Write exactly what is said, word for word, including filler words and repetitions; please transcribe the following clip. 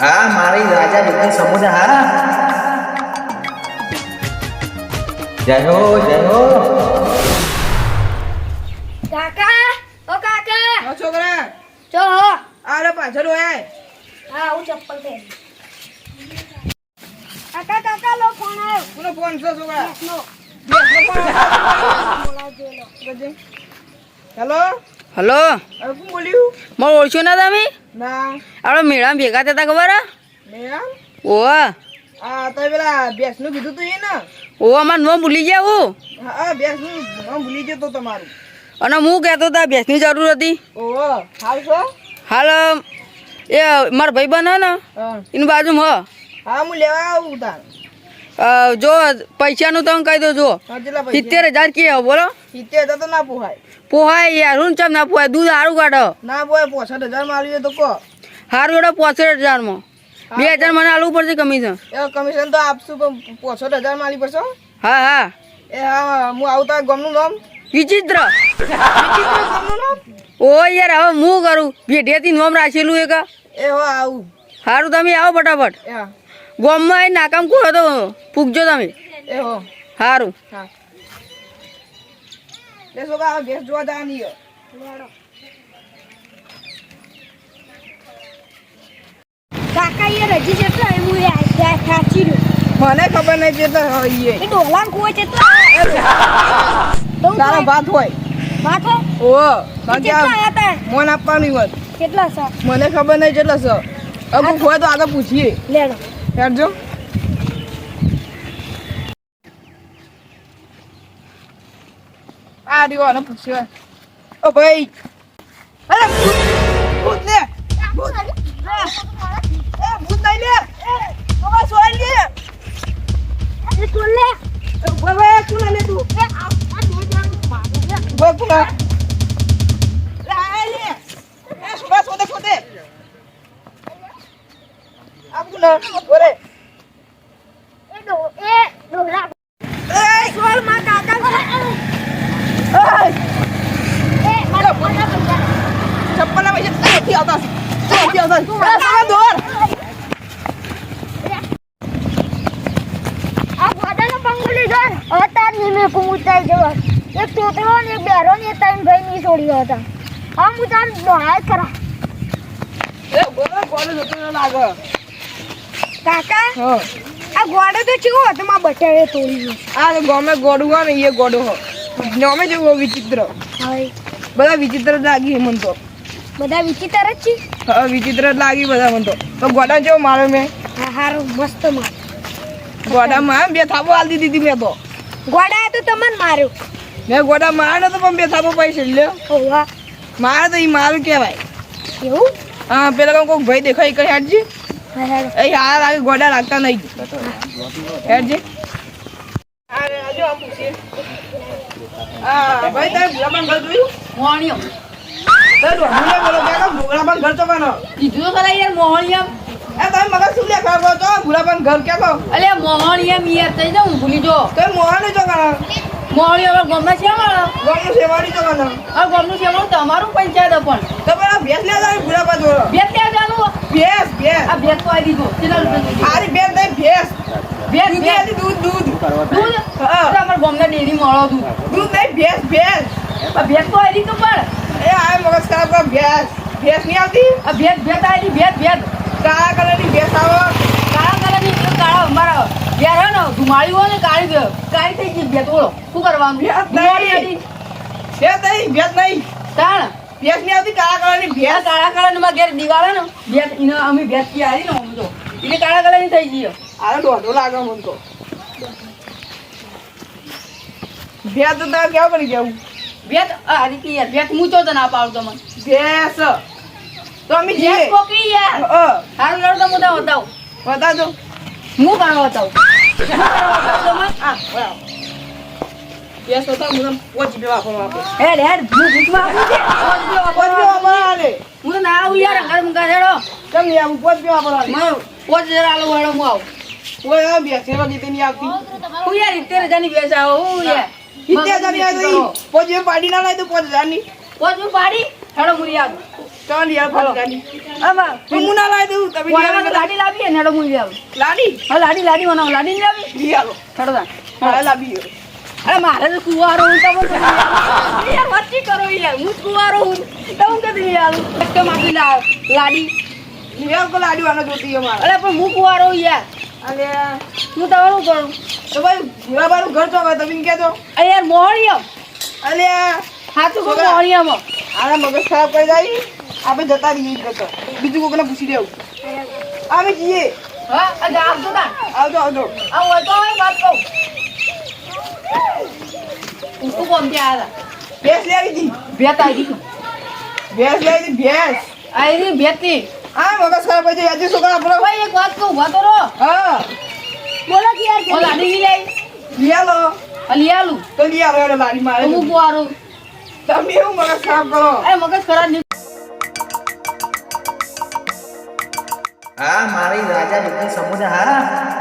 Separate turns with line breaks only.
હા મારી રાજા બિઝનેસ સમુદાય હા જય હો જય હો
કાકા ઓ કાકા
ઓ છોકરા
જો હો
આરે પાછળ હોય
હા હું ચપ્પલ પહેરી કાકા કાકા લો ફોન આવ્યો
કોનો ફોન છે છોકરા
નો
હેલો
હલો
હવે કોણ બોલ્યું
મને ઓળખ્યો ના તમે
ના
આપણે મેળામાં ભેગા થતા ખબર હે
મેમ
ઓવા
આ તો પેલા બેસનું કીધું તું એ ને
ઓ અમારે નો ભૂલી ગયા હું
હા બેસનું નામ ભૂલી જતો તમારું
અને હું કહેતો હતા ભેંસની જરૂર હતી
ઓહો હાલ છો
હાલ એ મારા ભાઈ બન હે ને
હા
એની બાજુમાં
હા હું લેવા આવું તાર
હ જો પૈસાનું તમે કહી દો જો
હા કેટલા પૈસા
સિત્તેર હજાર કે બોલો
સિત્તેર હજાર તો ના પોહાય
પોહાય યાર હું ચમ ના પોહાય દૂધ સારું કાઢો
ના પોહાય પોસઠ હજાર માં આલ્યું તો કહો
સારું એડો પોસઠ હજારમાં બે હજાર મને આલવું પડશે કમિશન
એ કમિશન તો આપશું પણ પોસઠ હજાર માં આલી પડશે
હા હા
એ હા હું આવતા ગામનું નામ
વિચિત્ર
વિચિત્ર ગામનું નામ
ઓ યાર હવે હું કરું ભેઢિયાથી નોમ રાખેલું એક
એ હો આવું
સારું તમે આવો ફટાફટ
એ હા
ગોમમાં એ નાકામ કોડો તો પૂગજો તમે
એ હો
સારું
હા લે છોકરા આ ભેંસ જોવા જવાની છે.
કાકા એ રજી જેટલો એ હું એ સાચી રહ્યો
મને ખબર નહીં કેટલા હોય
એ ડોલાન કોઈ જેટલો
તારા ભાત હોય
માથો
ઓ બાકી
કેટલા
આ
આયા તા
મોન આપવાનું હોત
કેટલા છે
મને ખબર નહીં કેટલા છે અમુક હોય તો આગળ પૂછીએ
લેડો
હેડજો આ રહ્યો આને પૂછ્યો ઓ ભાઈ અરે ભૂત લે ભૂત એ ભૂત નહીં લે એ બાબા સોય લે
એ તું લે
બાબા તું લે તું
એ આ આ દો જાન મારું લે
બોલ તું લે લે લે એ સુબા સોદે સોદે આપું ના બોલે
એ ડો એ ડોલા
એ
સોલ માં કાકા
એ
એ મારા ફોના પૈસા
ચપ્પલ ના પૈસા નથી આવતા નથી આવતા એ સાલા દોર
આ વાડાનો બંગલી જોર હતા નીમે કુમુતાઈ જવા એક તોતરો ને એક બેરો ને ત્રણ ભાઈ ની છોડ્યો હતા હા હું તાર દોહાય કરા
એ બોલો બોલો જતો ન લાગે
કાકા
હા
આ ગોડો તો ચેવો હતો માં બટાડે તોડી ગયો
આ ગોમે ગોડું હોય ને એ ગોડો હો નોમે જેવું વિચિત્ર
હવે
બધા વિચિત્ર જ લાગી મન તો
બધા વિચિત્ર જ છે
હા વિચિત્ર જ લાગી બધા મન તો તો ગોડા જેવો માર્યો મેં
હા હારું મસ્ત માં
ગોડામાં બે થાપો આલી દીધી મેં તો
ગોડાએ તો તમને માર્યો
મેં ગોડા માર્યો તો પણ બે થાપો પૈસા લ્યો
ઓવા
મારે તો એ મારું કહેવાય
એવું
હા પેલા કોઈ ભાઈ દેખાય કઈ હાડજી
હા હારું
એ હારા લાગે ગોડા લાગતા નહીં હેડજી અરે આજો આમ પૂછીએ હા ભાઈ તારે ભૂલાબાન ઘર જોયું
મોહણિયમ
તારે ડોહુને બોલો કે ભૂલાબાન ઘર તો કાનો
કીધું તો ખરા યાર મોહણિયમ
એ તમે મગજ શું લે ખબર તો ભૂલાબાન ઘર કે કહો
અલે મોહણિયમ યાર થઈ જાઉં ભૂલી જો
તો મોહને જો કાનો
મોહણિયમ હવે ગમના છે મારો
ગામનું સેવાડી જો કાનો
આ ગમનું છે મારું તમારું પંચાયત પણ
તો પેલા ભેંસ લે જાય ભૂલાબા જોડો
બે ક્યાં જાનું
ભેંસ ભેંસ
આ ભેટ તો આવી દીધો કેટલા રૂપિયા
આરી ભેંસ નહીં ભેંસ
ભેટ
દૂધ
ભેટ
આલી દૂધ દૂધ
દૂધ
હા.
અમારા ગમના ડેરી મળો દૂધ
દૂધ નહીં ભેંસ ભેંસ
આ ભેટ તો આવી દીધું પણ
એ આ મગજ ખરાબ કરો ભેંસ ભેંસ નહીં આવતી
આ ભેટ ભેટ આવી ભેટ ભેટ
કાળા કલરની ભેંસ આવો
કાળા કલરની પેલો કાળા અમારા ઘેર હે ને ધુમાડી હોય ને કાળી કાળી થઈ ગઈ ભેટ ઓળો શું કરવાનું
ભેટ
ધુમાડી
નહીં
હતી
ભેંસ નહીં ભેંસ નહીં
તાણ
ભેંસ નહીં આવતી કાળા કલરની
ભેટ
ભેંસ
કાળા કલરની માં ઘેર દિવાલ હે ને ભેટ એને અમે ભેટ થી આવી ને અમે તો એટલે કાળા કલરની થઈ ગઈ
આનો દોઢો લાગે મને તો ભેંસ તો તારે કેવું કરી કેવું
ભેટ આ રીતે યાર ભેટ મૂચો તો ના પાડતો મને
ભેંસ તો અમે
ભેટ
જઈએ
કોકરી યાર
અ
હારું લડો તો હું તો બતાવું
બતાવજો
હું કામ બતાવું
આ બરાબર ભેંસ તો તારે મને પોચ બે વાપરવા આપે
હેડ હેડ હું ભૂખમાં આપું છે
પોચ બે વાપરવા આલે
હું તો ના આવું યાર અંગાર મુકા હેડો
કેમ નહીં આવું પોચ બે વાપરવા આલે
મારો પોચ હજાર આલો હેડો હું આવું
ઓય આ ભેંસ એવા ગીતે નહીં આવતી
હું યાર સિત્તેર હજાર ની બેસા હું યાર
સિત્તેર હજાર ની આવી તો પોચ બે પાડી ના લાય તો પોચ હજાર ની
પોચ હું પાડી હેડો મુરી આવું
તો ચાલ યાર
હાલો.
ગાડી
આમાં
હું ના લાવી દઉં તમે લઈ
કોનામાં તો
આવો.
લાડી લાવી ને હેડો હું લઈ આવું
લાડી
હા લાડી લાડી બનાવો લાડી નહીં લાવી
લઈ આવો
હેડો તાણ.
હા લાવી આવો.
અરે મારે તો કુવારો હું તમને કહું. યાર વચ્ચે કરો યાર હું જ કુવારો હું તો હું કદી લઈ આવું એકદમ આપી લા- લાડી
લઈ આવો તો લાડી વાળો જોતી અમારે
અરે પણ હું કુવારો યાર
અને
હું તમારું કરું
તો ભાઈ ભીવાબાનું ઘર તો હવે તમે કહેતો
અરે યાર મોહણીઓ
અલે
સાચું કહું મોહણીયામાં
આના મગજ ખરાબ કરી જાય આપણે જતા રહીએ ઈ જતો બીજું કોઈને પૂછી લેવું અમે જઈએ
હા આ જા આવજો તાણ
આવજો આવજો
આ હોય તો હોય વાત કહું હું શું કોમ ત્યાં આવ્યા
ભેંસ લઈ આવી હતી
ભેત આવી ગઈ
ભેંસ લઈ આવી હતી ભેંસ
આવી ભેતી
હા મગજ ખરાબ કરી જાય આજે છોકરા આપણો
ભાઈ એક વાત કહું વાતો રો
હા
બોલો કે યાર
ઓ લાડી લઈ આવી
લઈ આલો
અલી આલું
તો લઈ આવો એટલે લાડી મારે
તો હું કુવારો
તમે એવું મગજ ખરાબ કરો
અરે મગજ ખરાબ નહીં
હા મારી રાજા બિઝનેસ સમુદાય હા